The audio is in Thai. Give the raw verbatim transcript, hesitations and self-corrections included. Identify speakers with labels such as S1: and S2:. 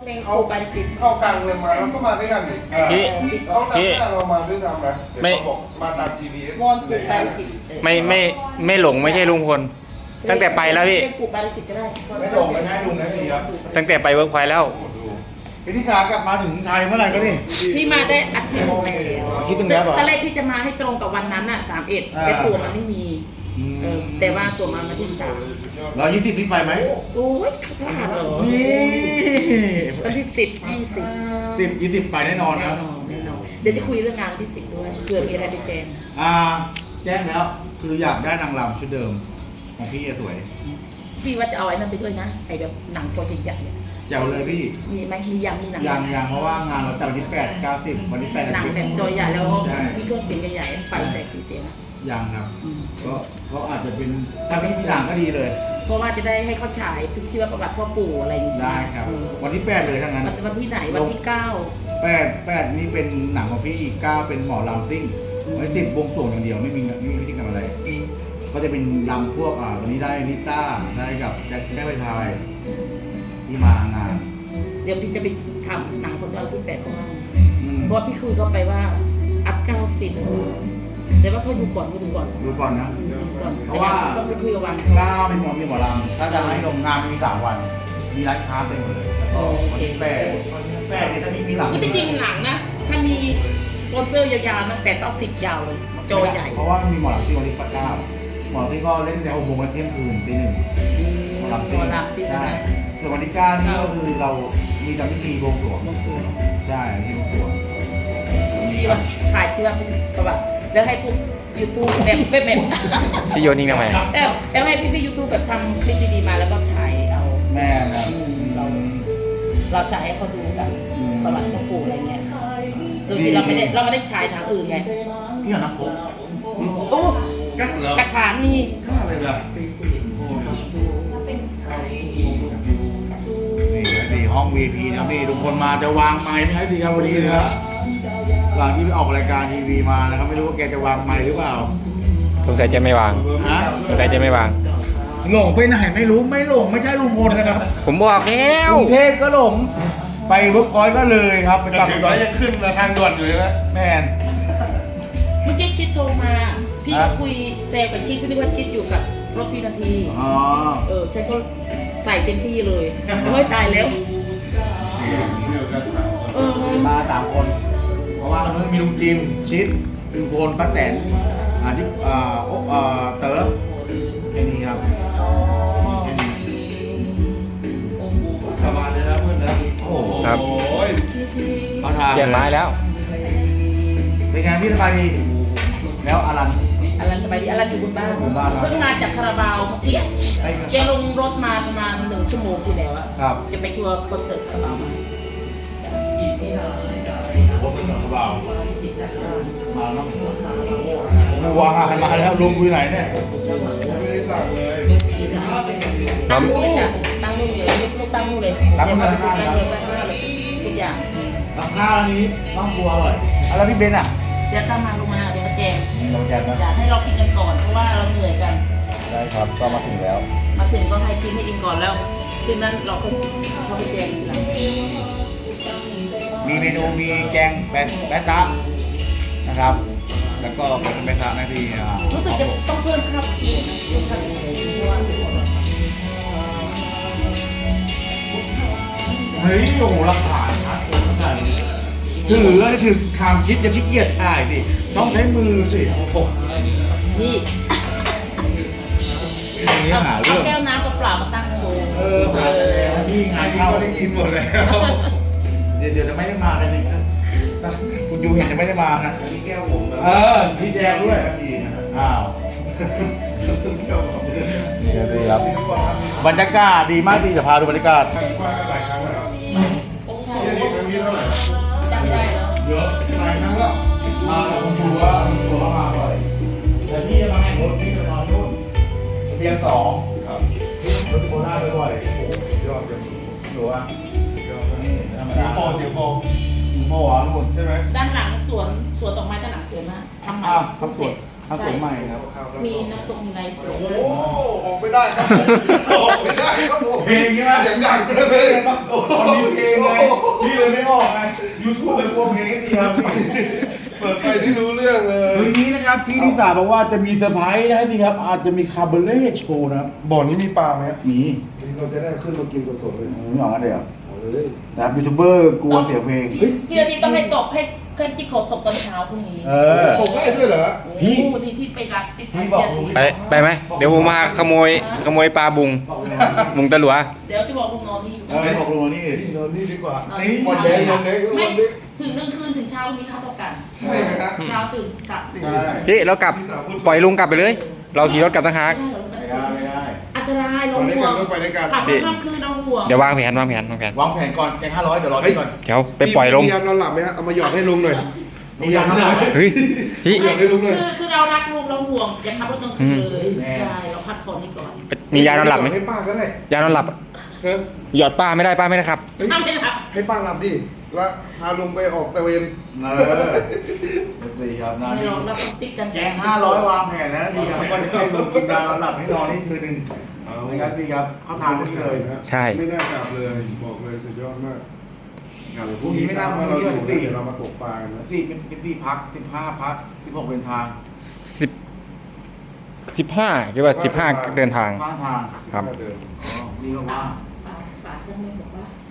S1: เพลงเข้ากันจิต
S2: เข้ากลางเมืองมาแล้วก็มาด้วยกันนี่
S3: พี่
S2: เขาตามหน้าเรามาด้วยซ้ำนะเดี๋ยว
S3: ไม่
S2: เขาบอกมาตาม จี พี เอส
S1: วอนปลูกกันจิต
S3: ไม่ไม่ไม่หลงไม่ใช่ลุงพลตั้งแต่ไปแล้วพี่
S1: ปลูกกันจิตก็ได้
S4: ไม่หลงไม่ให้ลุงนะพี่ครับ
S3: ตั้งแต่ไปเวิร์กพอยต์แล้ว
S4: พี่นิสากลับมาถึงไทยเมื่อไหร่ก็นี่
S1: พี่มาได้อาทิตย์หนึ่งแล้ว
S4: อาทิตย์หนึ่งแล้วเหรอ
S1: ตอนแรกพี่จะมาให้ตรงกับวันนั้นอ่ะสามเอ็ด
S4: อ่า
S1: แต่ตัวมันไม่มี
S4: อืม
S1: เออแต่ว่าตัวมันมาที่สาม
S4: ร้อยยี่สิบพี่ไปไหม
S1: โอ้ยพลาดเหรอ
S4: นี่
S1: วันที่สิบยี่สิบ
S4: สิบยี่สิบไปแน่นอน
S1: แน่
S4: นะ
S1: นอนแน่นอนเดี๋ยวจะคุยเรื่องงานวันที่สิบด้วยเผื่อมีอะไรไปแจ้ง
S4: อ่าแจ้งแล้วคืออยากได้นางรำชุดเดิมของพี่สวย
S1: พี่ว่าจะเอาไอ้นั่นไปด้วยนะไอ้แบบหนังตัวใหญ่ๆอะ
S4: แจ๋วเลยพี่
S1: มีไหมมียังมีหนัง
S4: ยังยังเพราะว่างานเราจัดวันที่แปด เก้า สิบวันที่แปด
S1: หนังแบบตัวใหญ่แล้ว
S4: ใช่
S1: มีเครื่องเสียงใหญ่ๆไฟแสงสีเสียงอะ
S4: ยังครับ
S1: อืม
S4: ก็ก็อาจจะเป็นถ้าพี่มีหนังก็ดีเลย
S1: เพราะว่าจะได้ให้เขาฉายชีวประวัติพ่อปู่อะไรอย่างนี้ใช่ไหม
S4: ได้ครับ
S1: อืม
S4: วันที่แปดเลยทั้งนั้น
S1: วันวันที่ไหนวันที่เก้า
S4: แปดแปดนี่เป็นหนังของพี่อีกเก้าเป็นหมอลำซิ่งไว้สิบบวงสรวงอย่างเดียวไม่มีไม่มีพิธีกรรมอะไร ก็จะเป็นลำพวกอ่าวันนี้ได้นิต้าได้กับแจ็คแจ็คไปทายที่มางาน
S1: เดี๋ยวพี่จะไปทำหนังคนเอาที่แปดของเรา
S4: อืม
S1: เพราะว่าพี่คุยเขาไปว่าอัพเก้าสิบแต่ว่าเขาดูก่อนเขาดูก่อน
S4: ดูก่อนนะ
S1: ดูก่อน
S4: เพราะว่า
S1: ต้องไปคุยกับวัน
S4: เก้าเป็นหมอมีหมอลำถ้าจะให้ลงงานมีสามวัน มีร้านค้าเต็มหมดเลยแล้วก็วันที่แปดแปดนี่ถ้ามีมีหลัง
S1: ก็จริงๆหนังนะถ้ามีสปอนเซอร์ยาวๆนะแปดต่อสิบยาวเลยจอใหญ่
S4: เพราะว่ามีหมอลำที่วันที่เก้าหมอลำที่ก็เล่นในหกโมงวันเที่ยงคืนตีหนึ่งหมอลำ
S1: หมอลำซิ่ง
S4: ใช่
S1: นะ
S4: ส่วนวันที่เก้านี่ก็คือเรามีทำพิธีบวงสรวง
S1: บวงสรวง
S4: ใช่ที่บวงสรวง
S1: ชีวะถ่ายชีวะประวัติแล้วให้พวกยูทูบแบบแบบแบบ
S3: พี่โยนทิ้งทำไม
S1: แล้วแล้วให้พี่พี่ยูทูบแบบทำคลิปดีๆมาแล้วก็ฉายเอา
S4: แม่นะ
S1: เรา เราฉายให้เขาดูกัน
S4: อืม
S1: ประวัติพ่อปู่อะไรเงี้ยโดยที่เราไม่ได้เราไม่ได้ฉายทางอื่นไง
S4: พี่หอน้ำโค้ก
S1: โอ้กระถางนี่
S4: ข้าเลยแบบนี่สี่ห้อง วี ไอ พี นะครับพี่ทุกคนมาจะวางไม้ไม่ให้ดีครับวันนี้นะครับหลังที่ไปออกรายการทีวีมานะครับไม่รู้ว่าแกจะวางไม้หรือเปล่า
S3: สงสัยจะไม่วาง
S4: ฮะ
S3: สงสัยจะไม่วาง
S4: หลงไปไหนไม่รู้ไม่หลงไม่ใช่ลุงพลนะครับ
S3: ผมบอกแล้ว
S4: กรุงเทพก็หลงไปเวิร์กพอยต์ก็เลยครับไป
S2: จะ
S4: กลับ
S2: ถึง
S4: ก่
S2: แล้
S4: อน
S2: วยังขึ้นมาทางด่วนอยู่ใช่ไหม
S4: แมน
S1: เมื่อกี้ชิดโทรมา พี่
S4: ครั
S1: ก็
S4: บ
S1: คุยเซลกับชิดก็นึกว่าชิดอยู่กับรถพี่นาที
S4: อ๋อ
S1: เออฉันก็ใส่เต็มที่เลยโอ้ยตายแล้วเออ
S4: มาสามคน เพราะว่าตอนนั้นมีลุงจิมชิดลุงพลป้าแตนอ่าที่อ่าโออ่าเต๋อแค่นี้ครับแค่นี้
S2: สบายเลยนะเพื่อนนะ
S4: โอ้โห
S3: ครับ
S2: โอ้ย
S4: เขาทาง
S3: เปลี่ยนไม้แล้ว
S4: เป็นไงพี่สบายดี แล้วอลัน
S1: อลันสบายดีอลันอยู่บนบ้าน
S4: อยู่บ้านครับ
S1: เพิ่งมาจากคาราบาวเมื่อกี้
S4: ไอ้
S1: แกลงรถมาประมาณหนึ่งชั่วโมงที่แล้วอะ
S4: ครับ
S1: จะไปทัวร์คอนเสิร์ตคาราบาวมา
S2: ผมเป็นของเบา
S4: มาแล้วโอ้โหว้าวมาแล้วลุงอยู่ไหนเนี่ย
S2: ไม่ได้สั่งเลย
S1: ตั้งนู่นเลยจ้ะตั้งนู่นเลยลูกตั้งนู่นเลย
S4: ตั้งนู่นเลย
S1: ตั้งเลยตั้งเลยทุกอย่าง
S4: กับข้าวอันนี้ต้องบัวอร่อยอะแล้วพี่เบนอ่ะ
S1: เดี๋ยวถ้ามาลงมาเดี๋ยวมาแจง
S4: นี่เราแจกนะ
S1: อยากให้เรากินกันก่อนเพราะว่าเราเหนื่อยกัน
S4: ได้ครับก็มาถึงแล้ว
S1: มาถึงก็ให้กินให้อิ่มก่อนแล้วคืนนั้นเราก็เขาไปแจงทีหลัง
S4: มีเมนูมีแกงแบะแบะซะนะครับ แล้วก็เป็นแบะซะนะพี่อ่า
S1: รู้สึกจะต้องเพิ่มข้าวอีกนะเพิ่มข้าวอีกเพราะว่า
S4: เฮ้ยโอ้โหราคาชัดเลยขนาดนี้ถือนี่ถือคำคิดอย่าขี้เกียจถ่ายสิต้องใช้มือสิโอ้โห
S1: นี่
S4: อย่างนี้หา
S1: เอา
S4: เรื่อง
S1: แก้วน้ำเปล่าๆมาตั้งโชว์
S4: เออหาแล้วนี่งานเข้า
S2: ก็ได้ยินหมดแล้ว
S4: เดี๋ยวเดี๋ยวจะไม่ได้มากันอีกนะคุณยูเห็นจะไม่ได้มานะ
S2: อันนี้แก้วผมนะ
S4: เออพี่แจงด้วย
S2: ดีนะครับ
S4: อ้าว
S2: แก้วผม
S4: เดี๋ยวดีครับบรรยากาศดีมากที่จะพาดูบรรยากาศ
S2: ว่ากันหลายครั้งแล้ว
S1: ใช่
S2: ที่นี่ครั้งนี้เท่าไหร่
S1: จำไม่ได้แล้ว
S4: เยอะ
S2: หลายครั้งแล้ว
S4: มากับคุณยูว่าคุณยูว่ามาบ่อยแต่พี่จะมาแข่งรถพี่จะนอนนู่นเบียร์สอง
S2: ครับ
S4: พี่รถโคราชบ่อย
S2: โอ้ยอดจัง
S4: ๆอยู่อ่ะนี่ธรรม
S2: เสีย
S4: ดาง
S2: โปเสียงโป
S4: โม่หวานหมด
S2: ใช่ไหม
S1: ด้านหลังสวนสวนดอกไม้ด้านหลังสวยมากทำใหม่
S4: อ้าว
S1: เพิ่ง
S4: ทำส
S1: เสร็
S4: วน
S1: จ
S4: ทำผมใหม่ครับ
S1: มีน้ำตกมีไรสวย
S2: โอ้ออกไม่ได้ครับผมออกไม่ได้ครับผม
S4: เพลงใช่ไหม
S2: เสียงดังเลย
S4: ตอนนี้เพลงไงพี่เลยไม่ออกไงยูทูบเป็นพวกเพลงให้ดีครับพี่
S2: เปิดไปที่รู้เรื่องเลย
S4: คืนนี้นะครับพี่ที่สาบอกว่าจะมีเซอร์ไพรส์ให้สิครับอาจจะมีคาร์เบเล่โชว์นะครับ
S2: บ่อนี้มีปลาไหมครับ
S4: มี
S2: เราจะได้ขึ้นมากินสดๆเลย
S4: ไม่ออกกันเดี๋ยว
S2: เอาเลย
S4: นะครับยูทูบเบอร์กลัวเสียงเพลง
S1: พี่พี่อาทิตย์ต้องให้ตกให้ให้จิโกะตกตอนเช้าพรุ่งนี้
S4: เออ
S2: ผมได้ด้วยเหรอ
S4: พี่
S1: โอ้ดีที่ไปรักที่
S4: พี่บอกลุง
S3: ไปไปไหมเดี๋ยวผมมาขโมยขโมยปลาบุงบุงตะหลัว
S1: เดี๋ยวจะบอกลูกน้องที่อยู่
S4: เออบอกลุงนี่
S2: ที่นอนนี่ดีกว่า
S1: นอน
S4: นี่
S1: ที่
S2: วัน
S1: เช้า
S2: เด็กวันเด็ก
S1: ไม่
S2: วันเด็ก
S1: ถึงกลางคืนถึงเช้ามีค่าเท่ากัน
S2: ใช่ไหมฮะ
S1: เช้าตื่นกลับ
S2: ใช่
S3: พี่เรากลับปล่อยลุงกลับไปเลย เราขี่รถกลับตั้งหาก
S1: ไม่ได้หรอก
S4: ไม่ได้ไม่ได้
S1: อันตรายเรา
S2: ไปด้วย
S1: ห่ว
S2: กัน
S1: ง
S2: ก็ไปด้วยกัน
S1: ขับรถกลางคืนเราห่วง
S3: เดี๋ยววางแผนวางแผนวางแผน
S4: วางแผนก่อนแกงห้าร้อยเดี๋ยวรอพี่ก่อน
S3: เดี๋ยวไปปล่อยลง
S2: มียานอนหลับไหมฮะเอามาหยอดให้ลุงหน่อย
S4: มีอย่างนั้นเลย
S3: เฮ้ยพี่
S2: อยากให้ลุงหน่อย
S1: คือคือเรารักลูกเราห่วงอย่าขับรถกลางคืนเลยใช่เราพักผ่อนให้ก่อน
S3: มียานอนหลับไหม
S2: ให้ป้าก็ได้
S3: ยานอนหลับ
S2: เฮ้ย
S3: หยอดป้าไม่ได้ป้าไม่ได้ครับ
S1: ถ้าไม่หลับ
S2: ให้ป้าหลับดิแล้วพาลุงไปออกตะเวน
S4: เออสี่ครับนา
S1: ไม่
S4: ที
S1: หรอกเราต้องติดกัน
S4: แกงห้าร้อยวางแผนแล้วนะดีครับก็จะให้ลุงกินยานอนหลับให้นอนนี่คืนหนึ่งนะครับพี่ครับเข้าทางนี่เลย
S3: ใช่
S2: ไม่น่ากลับเลยบอกเลยสุดยอดมาก
S4: พรุ่งนี้ไม่น่ามา
S2: เรา
S4: เที่ยว
S2: อยู่
S4: สี่
S2: เดี๋ยวเรามาตกปลากันนะ
S4: สี่เป็นเป็นสี่พักสิบห้าพักสิบหกเดินทาง
S3: สิบสิบห้าคิดว่าสิบห้าเดินทาง
S4: ข้างทาง
S3: ครับ
S2: เดิน
S4: อ๋อนี่ก็ว่า
S1: ป่าป่าเจ้าแม่บอกว่า